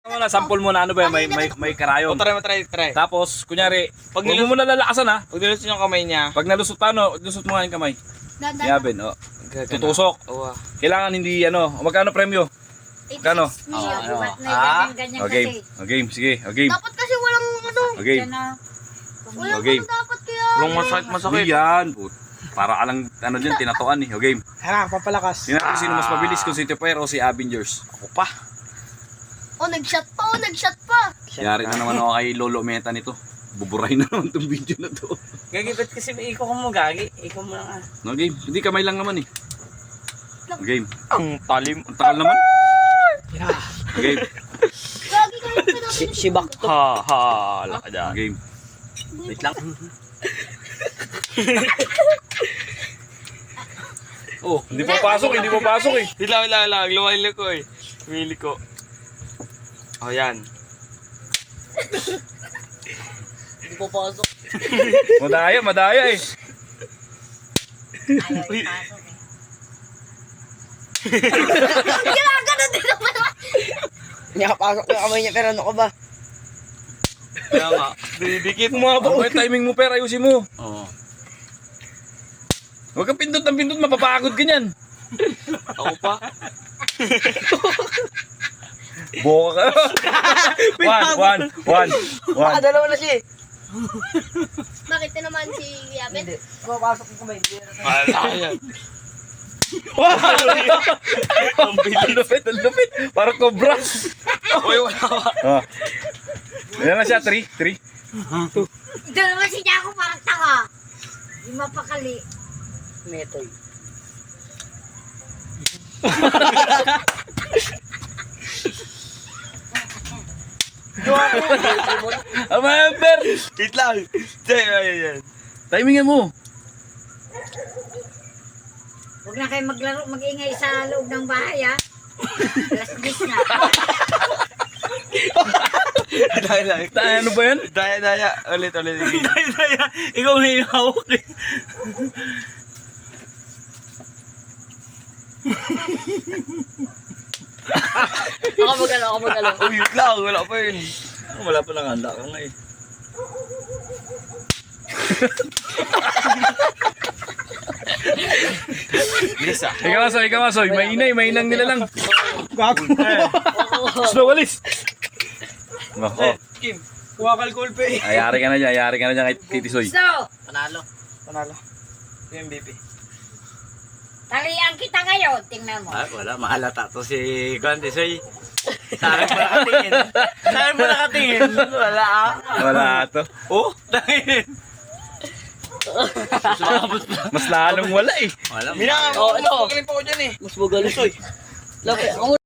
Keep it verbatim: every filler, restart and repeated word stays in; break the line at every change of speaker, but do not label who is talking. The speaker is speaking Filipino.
Wala, sample muna ano ba yan, may, may, may karayon.
O, try mo, try, try.
Tapos, kunyari,
Pag
pag
nilus-
mo muna lalakasan ha.
Pag nilusot yung kamay niya,
Pag nalusot ano, lusot mo nga yung kamay.
Dadan.
Yabin, oh.
gagana.
Tutusok.
Oo. ah.
Kailangan hindi ano, magkano premyo? Kano?
Me,
Ah,
ano?
ba't may
Ah?
ganyan-ganyan
O game,
kasi?
o game, sige, o game.
Dapat kasi walang ano.
O game.
Yan na.
Walang
Okay.
ano dapat kaya.
Walang masakit, masakit.
Hindi yan. Put. Para ka lang, ano dyan, tinatuan eh. O game.
Hala, papalakas.
Tingnan natin sino mas mabilis, kung si Tupper o si Avengers.
Ako pa.
Oh, nag-shot pa, oh, nag-shot pa.
Yari na naman ako kay Lolo Meta nito. Buburay na naman itong video na to.
Gagi, ba't kasi ikaw ka mo, Gagi? Ikaw mo lang ah.
No game, hindi kamay lang naman eh. O game.
Ang talim.
Ang takal naman. O game.
Gagi kayo pa natin.
Shibak to. Ha, ha, ala ka
O
dyan.
game.
Wait lang.
Oh, hindi pa pasok, hindi pa pasok eh.
Wait lang, wait lang, wait lang. Lumayan ko eh. Lumili ko. Oh, yan.
Hindi po pasok.
Madaya, madaya eh.
Ayaw ipasok eh.
Ginagano din naman.
Nakapasok yung kamay niya pero ano ka ba?
Kaya nga. Didikit mo
Ano ba yung timing mo, pero ayusin mo.
Oo.
Huwag kang pindot ng pindot, mapapagod ka niyan.
Ako pa.
Boka ka. one, one, one, one.
Baka dalawa na siya eh.
Bakit na naman si Yabin?
Hindi. Pumapasok yung kamay. Hindi na-
Wala yan.
Ang lupit, ang lupit. Parang cobra.
Uy, wala ka.
Ah. Yan na siya, three, three.
Ito naman si Jaco parang tanga. Hindi mapakali.
Metoy.
Ang member.
Wait lang. Say, ayan, yan.
Timingan mo.
Huwag na kayo maglaro, mag-ingay sa loob ng bahay ha. Alas dis na.
Daya, daya.
Ta- Ano ba yan?
Daya, daya. Ulit, ulit.
Daya, daya. Ikaw na yung hawak eh.
Ako magalo, ako magalo.
Uy, wait lang. Wala pa yun.
Wala pa lang handa ka nga eh.
Bilis ah.
Ikaw masoy, ikaw masoy. May inay, may inang nila lang. Gago. Slow, walis. Nako.
Kim, kuha ka alcohol pa eh.
Ayari ka na dyan, ayari ka na dyan kay Kitty Soy.
So,
Panalo. Panalo. Ito yung M V P.
talian kita ngayon. Tingnan mo.
Ah, wala. Mahalata to si Gwante Soy. Sa akin pa nakatingin. Sa akin pa nakatingin. Wala ah.
Wala to.
Oh, tangin.
Mas lalong wala eh.
Wala.
Mina,
Oh,
mas magaling pa ako dyan eh. Mas magaling. Lapit. Ako